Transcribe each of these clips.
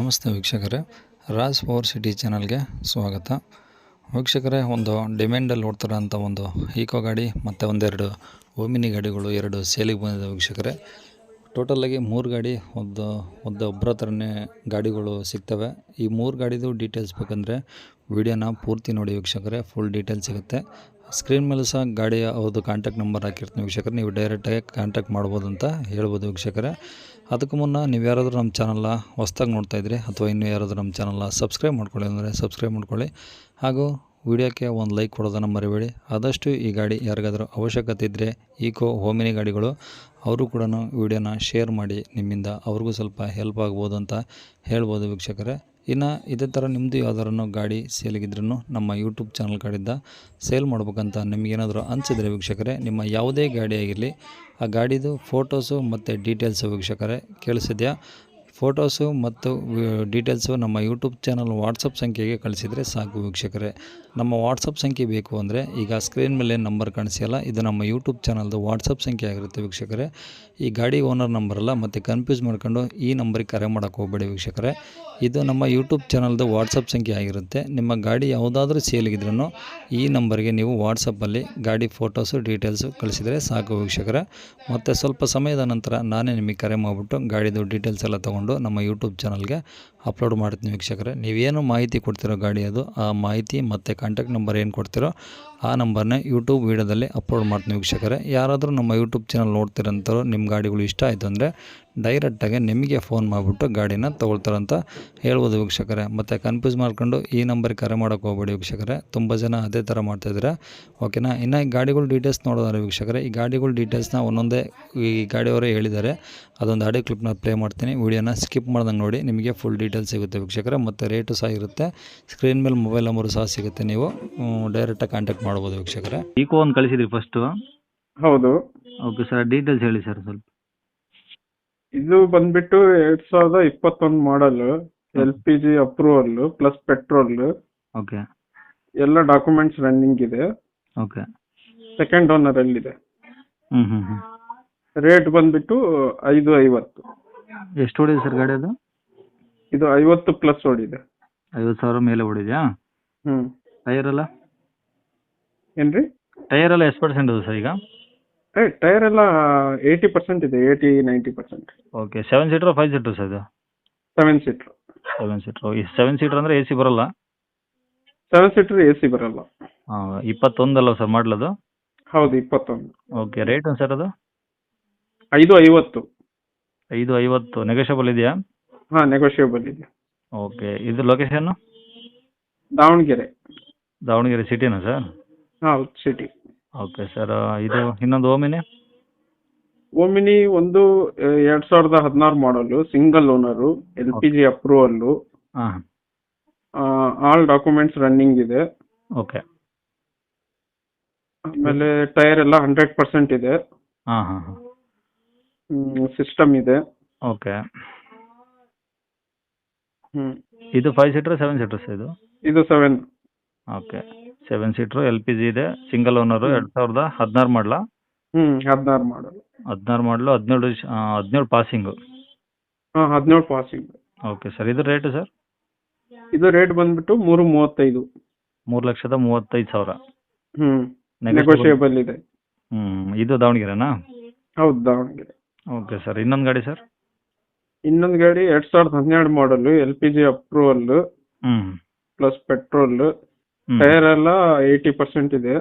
ನಮಸ್ತೆ ವೀಕ್ಷಕರೇ, Raj power city ಚಾನಲ್ಗೆ ಸ್ವಾಗತ. ವೀಕ್ಷಕರೇ, ಒಂದು ಡಿಮ್ಯಾಂಡಲ್ಲಿ ಓಡ್ತಿರೋಂಥ ಒಂದು ಈಕೋ ಗಾಡಿ ಮತ್ತು ಒಂದೆರಡು ಓಮಿನಿ ಗಾಡಿಗಳು ಎರಡು ಸೇಲಿಗೆ ಬಂದಿದೆ ವೀಕ್ಷಕರೇ. ಟೋಟಲಾಗಿ 3 ಗಾಡಿ ಒಬ್ಬರ ಹತ್ರನೇ ಗಾಡಿಗಳು ಸಿಗ್ತವೆ. ಈ 3 ಗಾಡಿದು ಡೀಟೇಲ್ಸ್ ಬೇಕಂದರೆ ವಿಡಿಯೋನ ಪೂರ್ತಿ ನೋಡಿ ವೀಕ್ಷಕರೇ, ಫುಲ್ ಡೀಟೇಲ್ಸ್ ಸಿಗುತ್ತೆ. ಸ್ಕ್ರೀನ್ ಮೇಲೆ ಸಹ ಗಾಡಿಯ ಅವ್ರದ್ದು ಕಾಂಟ್ಯಾಕ್ಟ್ ನಂಬರ್ ಹಾಕಿರ್ತೀನಿ ವೀಕ್ಷಕರೇ, ನೀವು ಡೈರೆಕ್ಟಾಗಿ ಕಾಂಟ್ಯಾಕ್ಟ್ ಮಾಡ್ಬೋದು ಅಂತ ಹೇಳ್ಬೋದು ವೀಕ್ಷಕರೇ. ಅದಕ್ಕೂ ಮುನ್ನ ನೀವು ಯಾರಾದರೂ ನಮ್ಮ ಚಾನಲ್ನ ಹೊಸ್ದಾಗಿ ನೋಡ್ತಾಯಿದ್ರಿ ಅಥವಾ ಇನ್ನೂ ಯಾರಾದರೂ ನಮ್ಮ ಚಾನಲ್ನ ಸಬ್ಸ್ಕ್ರೈಬ್ ಮಾಡ್ಕೊಳ್ಳಿ ಅಂದರೆ ಸಬ್ಸ್ಕ್ರೈಬ್ ಮಾಡ್ಕೊಳ್ಳಿ. ಹಾಗೂ ವಿಡಿಯೋಕ್ಕೆ ಒಂದು ಲೈಕ್ ಕೊಡೋದನ್ನು ಮರಿಬೇಡಿ. ಆದಷ್ಟು ಈ ಗಾಡಿ ಯಾರಿಗಾದರೂ ಅವಶ್ಯಕತೆ ಇದ್ದರೆ ಈಕೋ ಓಮಿನಿ ಗಾಡಿಗಳು ಅವರು ಕೂಡ ವಿಡಿಯೋನ ಶೇರ್ ಮಾಡಿ, ನಿಮ್ಮಿಂದ ಅವ್ರಿಗೂ ಸ್ವಲ್ಪ ಹೆಲ್ಪ್ ಆಗ್ಬೋದು ಅಂತ ಹೇಳ್ಬೋದು ವೀಕ್ಷಕರೇ. ಇನ್ನು ಇದೇ ಥರ ನಿಮ್ಮದು ಯಾವ್ದಾರು ಗಾಡಿ ಸೇಲಿಗಿದ್ರೂ ನಮ್ಮ ಯೂಟ್ಯೂಬ್ ಚಾನಲ್ ಕಡೆಯಿಂದ ಸೇಲ್ ಮಾಡ್ಬೇಕಂತ ನಿಮಗೇನಾದರೂ ಅನಿಸಿದರೆ ವೀಕ್ಷಕರೇ, ನಿಮ್ಮ ಯಾವುದೇ ಗಾಡಿ ಆಗಿರಲಿ ಆ ಗಾಡಿದು ಫೋಟೋಸು ಮತ್ತು ಡೀಟೇಲ್ಸು ವೀಕ್ಷಕರೇ ಕೇಳಿಸಿದ್ಯಾ, ಫೋಟೋಸು ಮತ್ತು ಡೀಟೇಲ್ಸು ನಮ್ಮ ಯೂಟ್ಯೂಬ್ ಚಾನಲ್ ವಾಟ್ಸಪ್ ಸಂಖ್ಯೆಗೆ ಕಳಿಸಿದರೆ ಸಾಕು ವೀಕ್ಷಕರೇ. ನಮ್ಮ ವಾಟ್ಸಪ್ ಸಂಖ್ಯೆ ಬೇಕು ಅಂದರೆ ಈಗ ಸ್ಕ್ರೀನ್ ಮೇಲೆ ನಂಬರ್ ಕಾಣಿಸಿಯಲ್ಲ, ಇದು ನಮ್ಮ ಯೂಟ್ಯೂಬ್ ಚಾನಲ್ದು ವಾಟ್ಸಪ್ ಸಂಖ್ಯೆ ಆಗಿರುತ್ತೆ ವೀಕ್ಷಕರೇ. ಈ ಗಾಡಿ ಓನರ್ ನಂಬರಲ್ಲ, ಮತ್ತು ಕನ್ಫ್ಯೂಸ್ ಮಾಡ್ಕೊಂಡು ಈ ನಂಬರಿಗೆ ಕರೆ ಮಾಡೋಕ್ಕೆ ಹೋಗಬೇಡಿ ವೀಕ್ಷಕರೇ. ಇದು ನಮ್ಮ ಯೂಟ್ಯೂಬ್ ಚಾನಲ್ದು ವಾಟ್ಸಪ್ ಸಂಖ್ಯೆ ಆಗಿರುತ್ತೆ. ನಿಮ್ಮ ಗಾಡಿ ಯಾವುದಾದ್ರೂ ಸೇಲಿಗಿದ್ರೂ ಈ ನಂಬರ್ಗೆ ನೀವು ವಾಟ್ಸಪ್ಪಲ್ಲಿ ಗಾಡಿ ಫೋಟೋಸು ಡೀಟೇಲ್ಸು ಕಳಿಸಿದರೆ ಸಾಕು ವೀಕ್ಷಕರೇ. ಮತ್ತು ಸ್ವಲ್ಪ ಸಮಯದ ನಂತರ ನಾನೇ ನಿಮಗೆ ಕರೆ ಮಾಡಿಬಿಟ್ಟು ಗಾಡಿದು ಡೀಟೇಲ್ಸ್ ಎಲ್ಲ ತೊಗೊಂಡು ನಮ್ಮ ಯೂಟ್ಯೂಬ್ ಚಾನಲ್ಗೆ ಅಪ್ಲೋಡ್ ಮಾಡ್ತೀನಿ ವೀಕ್ಷಕರೇ. ನೀವೇನು ಮಾಹಿತಿ ಕೊಡ್ತಿರೋ ಗಾಡಿ ಅದು, ಆ ಮಾಹಿತಿ ಮತ್ತು ಕಾಂಟ್ಯಾಕ್ಟ್ ನಂಬರ್ ಏನು ಕೊಡ್ತಿರೋ ಆ ನಂಬರ್ನೇ ಯೂಟ್ಯೂಬ್ ವೀಡಿಯೋದಲ್ಲಿ ಅಪ್ಲೋಡ್ ಮಾಡ್ತೀನಿ ವೀಕ್ಷಕರೇ. ಯಾರಾದರೂ ನಮ್ಮ ಯೂಟ್ಯೂಬ್ ಚಾನಲ್ ನೋಡ್ತಿರೋಂಥವ್ರು ನಿಮ್ಮ ಗಾಡಿಗಳು ಇಷ್ಟ ಆಯಿತು ಅಂದರೆ ಡೈರೆಕ್ಟಾಗಿ ನಿಮಗೆ ಫೋನ್ ಮಾಡಿಬಿಟ್ಟು ಗಾಡಿನ ತೊಗೊಳ್ತಾರಂತ ಹೇಳ್ಬೋದು ವೀಕ್ಷಕರೇ. ಮತ್ತು ಕನ್ಫ್ಯೂಸ್ ಮಾಡ್ಕೊಂಡು ಈ ನಂಬರಿಗೆ ಕರೆ ಮಾಡೋಕ್ಕೆ ಹೋಗ್ಬೇಡಿ ವೀಕ್ಷಕರೇ, ತುಂಬ ಜನ ಅದೇ ಥರ ಮಾಡ್ತಾಯಿದ್ದೀರಾ, ಓಕೆನಾ. ಇನ್ನು ಈ ಗಾಡಿಗಳ ಡೀಟೇಲ್ಸ್ ನೋಡೋದಾರೆ ವೀಕ್ಷಕರೇ, ಈ ಗಾಡಿಗಳ ಡೀಟೇಲ್ಸ್ನ ಒಂದೊಂದೇ ಈ ಗಾಡಿಯವರೇ ಹೇಳಿದ್ದಾರೆ. ಅದೊಂದು ಆಡಿಯೋ ಕ್ಲಿಪ್ನ ಪ್ಲೇ ಮಾಡ್ತೀನಿ, ವಿಡಿಯೋನ ಸ್ಕಿಪ್ ಮಾಡ್ದಂಗೆ ನೋಡಿ, ನಿಮಗೆ ಫುಲ್ ಡೀಟೇಲ್ಸ್ ಸಿಗುತ್ತೆ ವೀಕ್ಷಕರೇ. ಮತ್ತು ರೇಟು ಸಹ ಇರುತ್ತೆ, ಸ್ಕ್ರೀನ್ ಮೇಲೆ ಮೊಬೈಲ್ ನಂಬರು ಸಹ ಸಿಗುತ್ತೆ, ನೀವು ಡೈರೆಕ್ಟಾಗಿ ಕಾಂಟ್ಯಾಕ್ಟ್ ಮಾಡ್ಬೋದು ವೀಕ್ಷಕರೇ. ಈಕೋ ಒಂದು ಕಳಿಸಿದ್ರಿ ಫಸ್ಟು? ಹೌದು. ಓಕೆ ಸರ್, ಡೀಟೇಲ್ಸ್ ಹೇಳಿ ಸರ್ ಸ್ವಲ್ಪ. ಇದು ಬಂದ್ಬಿಟ್ಟು 2021 model, LPG approval plus petrol, okay ಎಲ್ಲ ಡಾಕ್ಯುಮೆಂಟ್ಸ್ ರನ್ನಿಂಗ್ ಇದೆ. ಓಕೆ. ಸೆಕೆಂಡ್ ಓನರ್ ಅಲ್ಲಿದೆ. ಹ್ಞೂ. ರೇಟ್ ಬಂದ್ಬಿಟ್ಟು 550. ಎಷ್ಟು ಓಡಿದೆ ಸರ್ ಗಾಡಿ ಅದು? ಇದು 50 ಪ್ಲಸ್ ಓಡಿದೆ. 50,000 ಮೇಲೆ ಓಡಿದೆಯಾ? ಟೈರ್ ಎಲ್ಲ? ಏನ್ರಿ? ಟೈರ್ ಎಲ್ಲ ಎಷ್ಟು ಪರ್ಸೆಂಟ್ ಇದೆ ಸರ್ ಈಗ? ಟೈರ್ ಎಲ್ಲ 80% ಇದೆ, 80-90%. ಓಕೆ. 7 ಸೀಟ್ರ್ 5 ಸೀಟ್ರ್ ಸರ್ ಇದು? 7 ಸೀಟ್ರ್. 7 ಸೀಟ್ರ್. 7 ಸೀಟ್ರ್ ಅಂದರೆ ಎ ಸಿ ಬರೋಲ್ಲ? 7 ಸೀಟ್ರ್ AC ಬರಲ್ಲ. ಹಾಂ. 21 ಅಲ್ಲ ಸರ್ ಮಾಡಲದು? ಹೌದು, 21. ಓಕೆ. ರೇಟ್ ಸರ್ ಅದು? 550. 550 ನೆಗೋಷಿಯಬಲ್ ಇದೆಯಾ? ಹಾಂ, ನೆಗೋಷಿಯಬಲ್ ಇದೆ. ಓಕೆ. ಇದು ಲೊಕೇಶನ್ನು? ದಾವಣಗೆರೆ. ದಾವಣಗೆರೆ ಸಿಟಿನಾ ಸರ್? ಹೌದು, ಸಿಟಿ. Okay sir. ಇದು ಇನ್ನೊಂದು ಓಮಿನಿ ಒಂದು 2016 model, single owner, LPG approval, ಹಾಂ. ಆಲ್ ಡಾಕ್ಯುಮೆಂಟ್ಸ್ ರನ್ನಿಂಗ್ ಇದೆ. ಓಕೆ. ಆಮೇಲೆ ಟೈರ್ ಎಲ್ಲ 100% ಇದೆ. ಹಾಂ. ಸಿಸ್ಟಮ್ ಇದೆ. ಓಕೆ. ಇದು 5 ಸೀಟ್ರ್ 7 ಸೀಟ್ರ್ ಸರ್ ಇದು? ಇದು 7. ಓಕೆ. 7 ಸೀಟ್ರು, LPG ಇದೆ, ಸಿಂಗಲ್ ಓನರು, 2016 ಮಾಡಲಾ? 16 model. 16 model, 17 passing? 17 passing. Okay sir. ಇದು ರೇಟು ಸರ್? ಇದು ರೇಟ್ ಬಂದ್ಬಿಟ್ಟು 335. 3,35,000. ನೆಗೋಷಿಯಬಲ್ ಇದೆ. ಇದು ದಾವಣಗೆರೆನಾ? ಹೌದು, ದಾವಣಗೆರೆ. Okay sir. ಇನ್ನೊಂದು ಗಾಡಿ ಸರ್? ಇನ್ನೊಂದು ಗಾಡಿ 2012 model, LPG approval plus petrol, tyre ಎಲ್ಲ 80% ಇದೆ.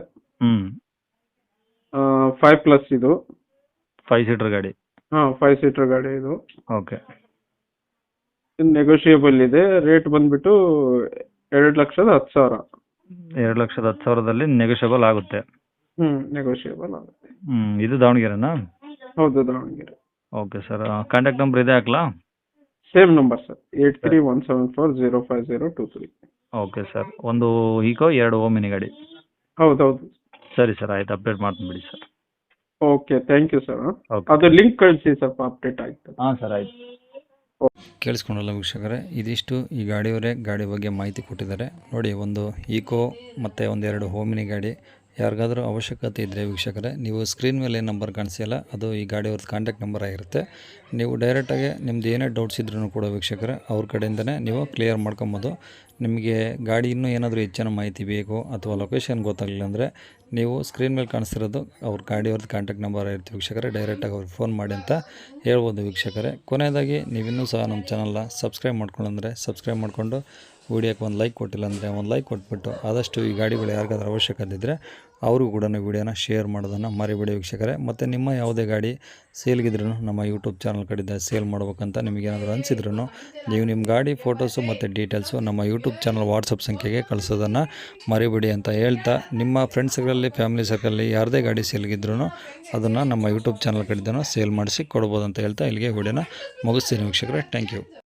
5 ಪ್ಲಸ್ ಇದು. 5 ಸೀಟರ್ ಗಾಡಿ? 5 ಸೀಟರ್ ಗಾಡಿ ಇದು. ಓಕೆ. ನೆಗೋಷಿಯಬಲ್ ಇದೆ. ರೇಟ್ ಬಂದ್ಬಿಟ್ಟು 2,10,000. 2,10,000ದಲ್ಲಿ ನೆಗೋಷಿಯಬಲ್ ಆಗುತ್ತೆ? ನೆಗೋಷಿಯಬಲ್ ಆಗುತ್ತೆ. ಇದು ದಾವಣಗೆರೆನಾ? ಹೌದು, Davanagere. Okay sir. Contact number ಇದೆ ಹಾಕ್ಲಾ? Same number sir, 8317405023. Okay sir. ಒಂದು ಈಕೋ 2 ಓಮಿನಿ ಗಾಡಿ? ಹೌದೌದು. ಸರಿ ಸರ್, ಆಯ್ತು, ಅಪ್ಡೇಟ್ ಮಾಡ್ತೀನಿ ಬಿಡಿ sir. Okay, thank you sir. Okay. ಅದು ಲಿಂಕ್ ಕಳಿಸಿ, ಸ್ವಲ್ಪ ಅಪ್ಡೇಟ್ ಆಯ್ತು. ಹಾಂ ಸರ್, ಆಯ್ತು. ಕೇಳಿಸ್ಕೊಂಡಲ್ಲ ವೀಕ್ಷಕರೇ, ಇದಿಷ್ಟು ಈ ಗಾಡಿಯವರೇ ಗಾಡಿ ಬಗ್ಗೆ ಮಾಹಿತಿ ಕೊಟ್ಟಿದ್ದಾರೆ ನೋಡಿ. ಒಂದು ಈಕೋ ಮತ್ತು ಒಂದೆರಡು ಓಮಿನಿ ಗಾಡಿ ಯಾರಿಗಾದರೂ ಅವಶ್ಯಕತೆ ಇದ್ದರೆ ವೀಕ್ಷಕರೇ, ನೀವು ಸ್ಕ್ರೀನ್ ಮೇಲೆ ನಂಬರ್ ಕಾಣಿಸಿಲ್ಲ, ಅದು ಈ ಗಾಡಿಯವ್ರದ್ದು ಕಾಂಟ್ಯಾಕ್ಟ್ ನಂಬರ್ ಆಗಿರುತ್ತೆ. ನೀವು ಡೈರೆಕ್ಟಾಗಿ ನಿಮ್ದು ಏನೇ ಡೌಟ್ಸ್ ಇದ್ರೂ ಕೂಡ ವೀಕ್ಷಕರೇ ಅವ್ರ ಕಡೆಯಿಂದನೇ ನೀವು ಕ್ಲಿಯರ್ ಮಾಡ್ಕೊಬೋದು. ನಿಮಗೆ ಗಾಡಿ ಇನ್ನೂ ಏನಾದರೂ ಹೆಚ್ಚಿನ ಮಾಹಿತಿ ಬೇಕು ಅಥವಾ ಲೊಕೇಶನ್ ಗೊತ್ತಾಗಲಿಲ್ಲ ಅಂದರೆ ನೀವು ಸ್ಕ್ರೀನ್ ಮೇಲೆ ಕಾಣಿಸ್ತಿರೋದು ಅವ್ರ ಗಾಡಿಯವ್ರದ್ದು ಕಾಂಟ್ಯಾಕ್ಟ್ ನಂಬರ್ ಇರುತ್ತೆ ವೀಕ್ಷಕರೇ, ಡೈರೆಕ್ಟಾಗಿ ಅವ್ರಿಗೆ ಫೋನ್ ಮಾಡಿ ಅಂತ ಹೇಳ್ಬೋದು ವೀಕ್ಷಕರೇ. ಕೊನೆಯದಾಗಿ ನೀವಿನ್ನೂ ಸಹ ನಮ್ಮ ಚಾನಲ್ನ ಸಬ್ಸ್ಕ್ರೈಬ್ ಮಾಡ್ಕೊಳ್ಳಂದರೆ ಸಬ್ಸ್ಕ್ರೈಬ್ ಮಾಡಿಕೊಂಡು ವೀಡಿಯೋಕ್ಕೆ ಒಂದು ಲೈಕ್ ಕೊಟ್ಟಿಲ್ಲ ಅಂದರೆ ಒಂದು ಲೈಕ್ ಕೊಟ್ಬಿಟ್ಟು ಆದಷ್ಟು ಈ ಗಾಡಿಗಳು ಯಾರಿಗಾದ್ರೂ ಅವಶ್ಯಕತೆ ಇದ್ದರೆ ಅವ್ರಿಗೂ ಕೂಡ ವೀಡಿಯೋನ ಶೇರ್ ಮಾಡೋದನ್ನು ಮರಿಬೇಡಿ ವೀಕ್ಷಕರೇ. ಮತ್ತು ನಿಮ್ಮ ಯಾವುದೇ ಗಾಡಿ ಸೇಲ್ಗಿದ್ರೂ ನಮ್ಮ ಯೂಟ್ಯೂಬ್ ಚಾನಲ್ ಕಡೆಯಿಂದ ಸೇಲ್ ಮಾಡ್ಬೇಕಂತ ನಿಮಗೇನಾದರೂ ಅನಿಸಿದ್ರೂ ನೀವು ನಿಮ್ಮ ಗಾಡಿ ಫೋಟೋಸು ಮತ್ತು ಡೀಟೇಲ್ಸು ನಮ್ಮ ಯೂಟ್ಯೂಬ್ ಚಾನಲ್ ವಾಟ್ಸಪ್ ಸಂಖ್ಯೆಗೆ ಕಳಿಸೋದನ್ನು ಮರಿಬೇಡಿ ಅಂತ ಹೇಳ್ತಾ, ನಿಮ್ಮ ಫ್ರೆಂಡ್ಸ್ಗಳಲ್ಲಿ ಫ್ಯಾಮಿಲಿ ಸರ್ಕಲಲ್ಲಿ ಯಾರದೇ ಗಾಡಿ ಸೇಲ್ಗಿದ್ರೂ ಅದನ್ನು ನಮ್ಮ ಯೂಟ್ಯೂಬ್ ಚಾನಲ್ ಕಡೆಯಿಂದ ಸೇಲ್ ಮಾಡಿಸಿ ಕೊಡ್ಬೋದು ಅಂತ ಹೇಳ್ತಾ ಇಲ್ಲಿಗೆ ವಿಡಿಯೋನ ಮುಗಿಸ್ತೀನಿ ವೀಕ್ಷಕರೇ. Thank you.